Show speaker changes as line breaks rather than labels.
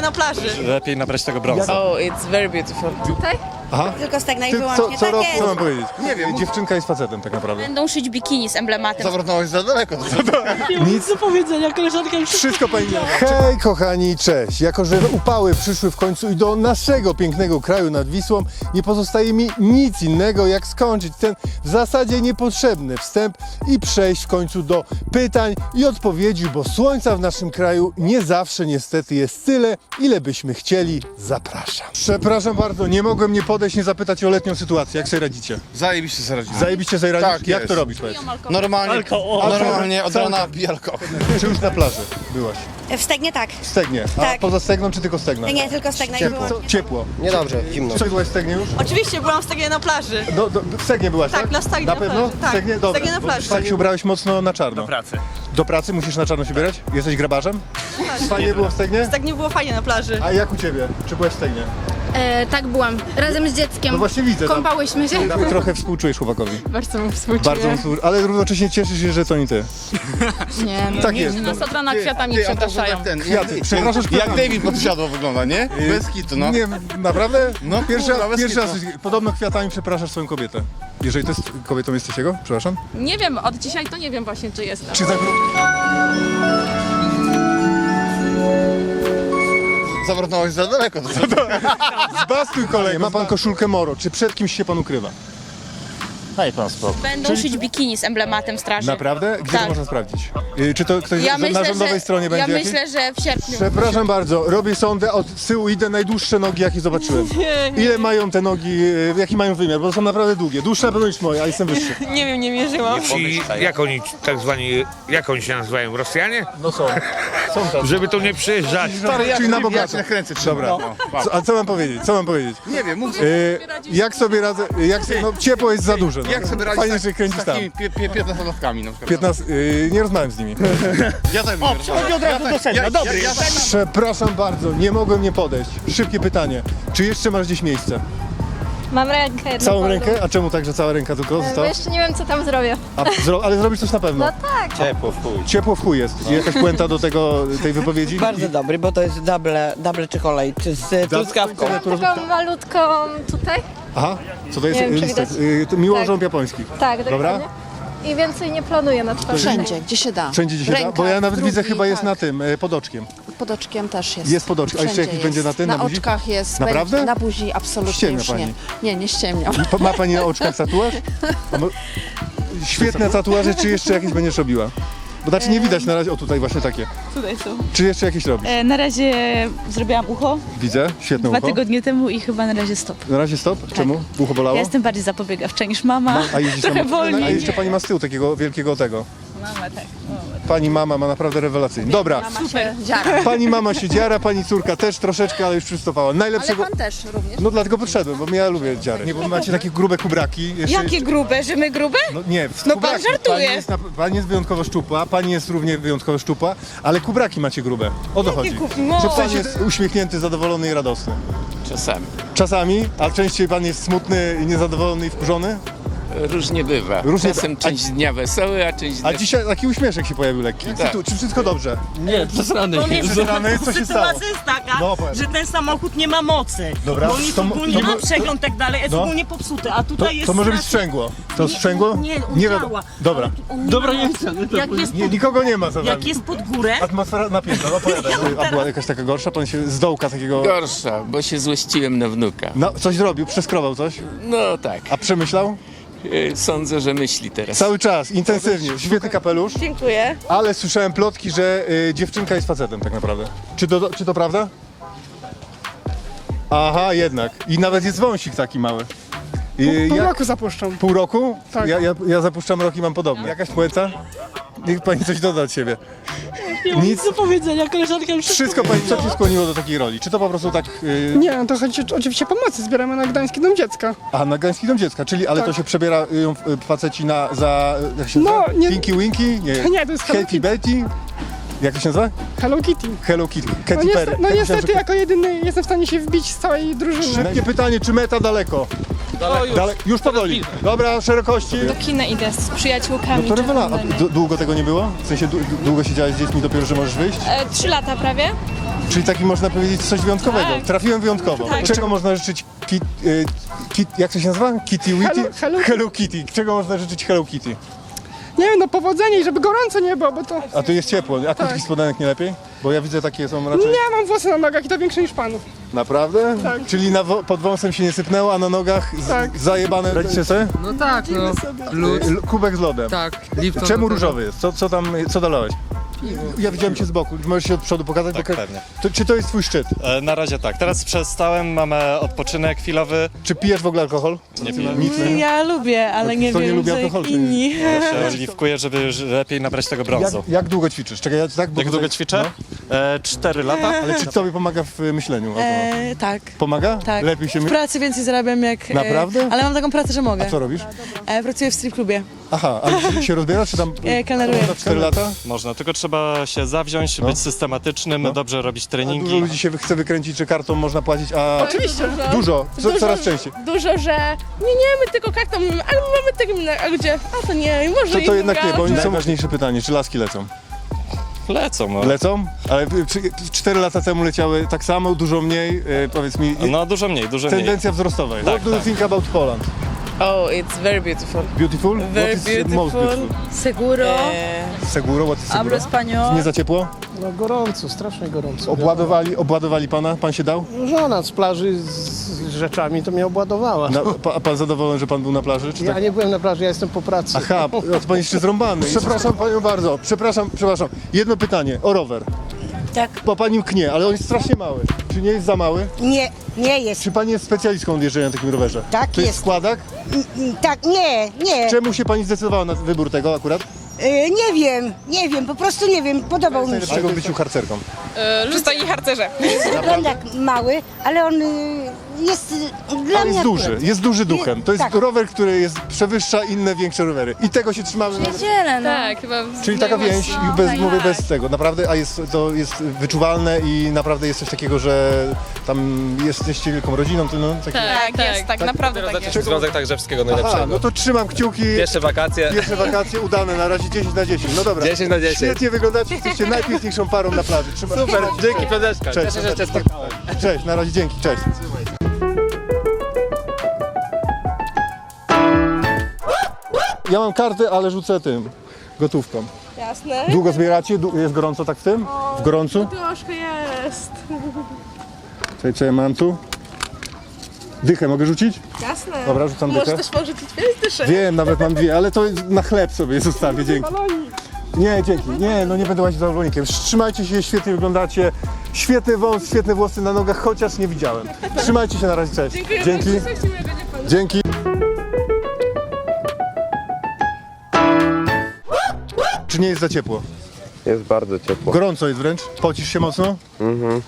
na plaży.
Lepiej nabrać tego brązu.
Oh, it's very beautiful.
Tutaj?
Aha.
Tylko stegna i
Ty,
wyłącznie.
co
Tak
rok,
jest.
co mam powiedzieć? Nie wiem. Dziewczynka jest facetem tak naprawdę.
Będą szyć bikini z emblematem.
Zabrnąłeś za daleko.
Nic do powiedzenia, koleżanka już wszystko pani miała. Hej kochani, cześć. Jako że upały przyszły w końcu i do naszego pięknego kraju nad Wisłą, nie pozostaje mi nic innego jak skończyć ten w zasadzie niepotrzebny wstęp i przejść w końcu do pytań i odpowiedzi, bo słońca w naszym kraju nie zawsze niestety jest tyle, ile byśmy chcieli. Zapraszam. Przepraszam bardzo, nie mogłem nie podejść, nie zapytać o letnią sytuację. Jak sobie radzicie?
Zajebiście sobie radzimy.
Zajebiście sobie radzisz?
Tak
Jak
jest.
to robisz? Powiedz?
Normalnie od rana pij alkohol.
Czy już na plaży byłaś?
W stegnie tak.
W Stegnie. A
Tak.
poza Stegną czy tylko Stegna?
Nie, tylko stegna i
Ciepło.
wyłącznie.
Ciepło.
Niedobrze, zimno.
Co, byłaś w Stegnie już?
Oczywiście byłam w Stegnie na plaży.
W Stegnie byłaś, tak?
Tak, na Stegnie
Na
na
pewno?
plaży, tak.
W Stegnie?
W
Dobra.
Stegnie na plaży.
Tak się ubrałeś mocno na czarno.
Do pracy.
Do pracy? Musisz na czarno się ubierać? Jesteś grabarzem? Fajnie było w Stegnie?
W Stegnie było fajnie na plaży.
A jak u ciebie? Czy byłaś w Stegnie?
Tak byłam, razem z dzieckiem.
No właśnie widzę. tam.
Kąpałyśmy się.
Trochę współczujesz chłopakowi.
Bardzo mu współczuję.
Bardzo mu ale równocześnie cieszysz się, że to nie ty.
Nie, no.
Tak jest.
Nas od rana kwiatami
Ty, a to
przepraszają.
jak ten,
Kwiaty. Przepraszasz
jak
kwiatami.
David podsiadło wygląda, nie? Bez kitu, no.
Nie, naprawdę?
No,
pierwszy
kurwa, bez
pierwszy raz.
kitu.
Podobno kwiatami przepraszasz swoją kobietę. Jeżeli to jest kobietą jesteś jego? Przepraszam.
Nie wiem, od dzisiaj to nie wiem właśnie, czy jestem.
Czy za...
Zabrnąłeś za daleko.
Zbastuj kolej. Ma pan koszulkę Moro. Czy przed kimś się pan ukrywa?
Daj pan spokój.
Będą szyć bikini z emblematem straży.
Naprawdę? Gdzie to
Tak.
można sprawdzić? Czy to ktoś
Ja
na
myślę,
rządowej
że,
stronie będzie
ja
jakieś?
myślę, że w sierpniu.
Przepraszam bardzo, robię sondę, od tyłu idę, najdłuższe nogi jakie zobaczyłem. Ile mają te nogi, jaki mają wymiar, bo są naprawdę długie. Dłuższe na pewno niż moje, a jestem wyższy.
Nie wiem, nie mierzyłam.
I jak oni tak zwani, jak oni się nazywają? Rosjanie?
No są. Są tacy.
Żeby tu nie przyjeżdżać.
Czyli na
Ja
bogato.
cię nakręcę.
Dobra.
No.
A co mam powiedzieć? Co mam powiedzieć?
Nie wiem, mów
Jak sobie radzę, no ciepło jest za duże. No.
jak sobie radzić
Fajnie,
z
że kręcisz tam.
takimi 15-latkami na przykład.
15, nie rozmawiam z nimi.
Ja tak mówię.
Przechodzi od razu do sedna, dobry.
Przepraszam bardzo, nie mogłem nie podejść. Szybkie pytanie. Czy jeszcze masz gdzieś miejsce?
Mam rękę.
Całą rękę? A czemu tak, że cała ręka tylko
Bo
została?
jeszcze nie wiem, co tam zrobię.
Ale zrobisz coś na pewno.
No tak.
Ciepło w chuj.
Ciepło w chuj jest. Jakaś puenta do tej wypowiedzi?
Bardzo dobry, bo to jest double chocolate z truskawką.
Taką malutką tutaj.
Aha, co to jest?
Nie wiem, czy
Listek.
widać.
To miłożąb
Tak.
japoński.
Tak,
Dobra?
dokładnie. I więcej nie planuję na twarzy.
Wszędzie, gdzie się da.
Wszędzie gdzie się da?
Ręka,
Bo ja nawet
drugi,
widzę chyba jest
tak.
na tym, pod oczkiem.
Pod oczkiem też jest.
Jest pod oczkiem. A jeszcze
Wszędzie
jakiś będzie na tym,
Na
na buzi?
oczkach jest.
Naprawdę?
Będzie, na buzi absolutnie
Ściemnia
już
pani.
nie. Nie, nie ściemniam.
Ma pani na oczkach tatuaż? Świetne tatuaże, czy jeszcze jakieś będziesz robiła? Bo znaczy nie widać na razie, o tutaj właśnie takie.
Tutaj są.
Czy jeszcze jakieś robisz?
Na razie zrobiłam ucho
Widzę, świetne ucho.
tygodnie temu i chyba na razie stop.
Na razie stop? Czemu? Ucho bolało?
Ja jestem bardziej zapobiegawcza niż mama.
A jeździ
Trochę wolniej.
A jeszcze pani ma z tyłu takiego wielkiego tego.
Mama, tak.
Pani mama ma naprawdę rewelacyjnie. Dobra,
Super. Dziara.
pani mama się dziara, pani córka też troszeczkę, ale już przystopała.
Ale
Najlepszego...
pan też również.
No dlatego podszedłem, bo ja lubię dziary. Nie, bo macie takie grube kubraki.
Jakie grube, że my grube?
No nie,
No
kubraki.
pan żartuje.
Pani jest wyjątkowo szczupła, pani jest równie wyjątkowo szczupła, ale kubraki macie grube. O to chodzi.
No.
Że pan jest uśmiechnięty, zadowolony i radosny.
Czasami.
Czasami, a częściej pan jest smutny, niezadowolony i wkurzony?
Różnie bywa.
Różnie-
Czasem część dnia wesoły, a część
A
dnia...
dzisiaj taki uśmieszek się pojawił lekki.
Tak.
Czy wszystko dobrze?
Nie, przesrany jest.
Rany, co się stało?
Sytuacja jest taka,
No, opowiadaj.
że ten samochód nie ma mocy.
Dobra,
Bo on jest
to-
ogólnie
to-
ma przegląd tak dalej, jest
no.
ogólnie popsuty, a
To,
tutaj jest...
to może być
strasznie-
sprzęgło. To sprzęgło?
Nie, on
nie
działa.
wiadomo. Dobra.
On Dobra, nie chcę. Jak jest,
Nie, nikogo nie ma za
jak
wami.
jest pod górę,
Atmosfera napięta, no opowiadaj. A była jakaś taka gorsza? Pan się z dołka takiego...
Gorsza, bo się złościłem na wnuka.
No, coś zrobił, przeskrobał coś?
No tak,
A przemyślał?
sądzę, że myśli teraz.
Cały czas, intensywnie. Świetny kapelusz.
dziękuję.
Ale słyszałem plotki, że dziewczynka jest facetem tak naprawdę. Czy to prawda? Aha, jednak. I nawet jest wąsik taki mały.
Pół roku zapuszczam.
Pół roku?
Tak.
Ja zapuszczam rok i mam podobnie. Jakaś puenta? Niech pani coś doda od siebie. Nic
do powiedzenia, koleżanka już
Wszystko pani, co cię skłoniło do takiej roli? Czy to po prostu tak...
Nie, no to chodzi oczywiście pomocy. Zbieramy na Gdański Dom Dziecka.
A, na Gdański Dom Dziecka, czyli, ale to się przebiera faceci za... Jak się
No,
nazywa?
nie-
Pinky Winky?
Nie, to jest Hello
Happy Betty? Jak to się nazywa?
Hello Kitty.
Hello Kitty.
No,
Katy Perry.
no
Ja myślałem,
niestety
że-
jako jedyny jestem w stanie się wbić z całej drużyny.
Szybkie pytanie, czy meta daleko? Dalej, już powoli. Dobra, szerokości.
Do kina idę z przyjaciółkami.
No to rewelacja. Długo tego nie było? W sensie długo siedziałeś z dziećmi, dopiero, że możesz wyjść?
3 lata prawie.
Czyli taki można powiedzieć coś wyjątkowego.
Tak.
Trafiłem wyjątkowo.
Tak.
Czego można życzyć jak to się nazywa? Kitty Witty? Hello Kitty. Czego można życzyć Hello Kitty?
Nie wiem, no powodzenia i żeby gorąco nie było, bo to...
A tu jest ciepło. A krótkich spodenek nie lepiej? Bo ja widzę takie są raczej...
Nie, mam włosy na nogach i to większe niż panów.
Naprawdę?
Tak.
Czyli pod wąsem się nie sypnęło, a na nogach
Tak.
zajebane. Radzicie sobie?
No tak, no.
Kubek z lodem.
Tak, Lipton.
Czemu różowy jest? Co dolałeś? Ja widziałem cię z boku. Możesz się od przodu pokazać?
Tak, pewnie.
Czy to jest twój szczyt?
Na razie tak. Teraz przestałem, mamy odpoczynek chwilowy.
Czy pijesz w ogóle alkohol?
Nie piję.
Nic nie.
Ja lubię, ale nie
Kto nie
wiem,
lubi
że
alkoholu, to
inni.
Ja się oliwkuję, żeby lepiej nabrać tego brązu.
Jak długo ćwiczysz? Czekaj, ja tak, bo
Jak
tutaj-
długo ćwiczę? 4 lata.
Ale czy tobie pomaga w myśleniu?
Tak.
Pomaga?
Tak.
Lepiej się
W pracy więcej zarabiam jak...
Naprawdę?
Ale mam taką pracę, że mogę.
Co robisz?
Pracuję w strip klubie.
Aha, a się rozbierasz, czy tam...
Kelneruję.
4 lata?
Można, tylko trzeba się zawziąć, być systematycznym, dobrze robić
A dużo
treningi.
ludzi się chce wykręcić, że kartą można płacić, a...
Oczywiście.
Dużo, coraz częściej.
Dużo, że nie, my tylko kartą mamy, ale my mamy terminal, a gdzie? A to nie, może
To jednak nie, bo oni są ważniejsze pytanie, czy laski lecą?
Lecą, no.
Lecą? Ale 4 lata temu leciały tak samo, dużo mniej, powiedz mi,
No dużo mniej.
tendencja wzrostowa jest.
Tak,
What do you
tak.
think about Poland?
Oh, it's very beautiful.
Beautiful?
Very
What is most
beautiful.
beautiful?
Seguro.
Seguro, what is
Hablo
seguro?
español.
Nie za ciepło?
No gorąco, strasznie gorąco.
Obładowali pana? Pan się dał?
Żona z plaży z rzeczami to mnie obładowała.
A pan zadowolony, że pan był na plaży? Czy
Ja
tak?
nie byłem na plaży, ja jestem po pracy.
Aha, pan jeszcze zrąbany. Przepraszam panią bardzo, przepraszam. Jedno pytanie, o rower.
Tak.
Bo pani mknie, ale on jest strasznie mały. Czy nie jest za mały?
Nie jest.
Czy pani jest specjalistką od jeżdżenia na takim rowerze?
Tak,
To jest
jest.
składak?
Tak, nie.
Czemu się pani zdecydowała na wybór tego akurat?
Nie wiem, po prostu nie wiem, podobał mi się.
Dlaczego w byciu harcerką?
Przystojni harcerze.
Wygląda jak mały, ale on jest dla
Ale
mnie
jest duży duchem. To jest
tak.
rower, który przewyższa inne większe rowery. I tego się trzymamy.
Tak, chyba.
Czyli taka więź, i mówię bez tego, naprawdę, to jest wyczuwalne i naprawdę jest coś takiego, że tam jesteście wielką rodziną, to no, takie...
Tak, jest, tak, naprawdę tak jest.
Związek Tagrzewskiego
Aha, no to trzymam kciuki.
Pierwsze wakacje.
Pierwsze wakacje udane, na razie 10 na 10. No dobra.
10 na 10.
Świetnie wyglądacie, jesteście najpiękniejszą parą na plaży. Trzymam.
Super, dzięki Piąteczka.
Cześć.
Cieszę się, że cię spotkałem.
Cześć, na razie dzięki, cześć. Ja mam kartę, ale rzucę tym, gotówką.
Jasne.
Długo zbieracie? Jest gorąco tak w tym? W gorącu?
Troszkę jest.
Czekaj, co ja mam tu? Dychę mogę rzucić?
Jasne.
Dobra, rzucam dychę.
Możesz też porzucić 5 dyszek.
Wiem, nawet mam 2, ale to na chleb sobie zostawię, dzięki. Nie, dzięki. Nie, no nie będę łazić za balonikiem. Trzymajcie się, świetnie wyglądacie. Świetny wąs, świetne włosy na nogach, chociaż nie widziałem. Trzymajcie się, na razie, cześć. Dzięki. Dzięki. Czy nie jest za ciepło?
Jest bardzo ciepło.
Gorąco jest wręcz? Pocisz się mocno?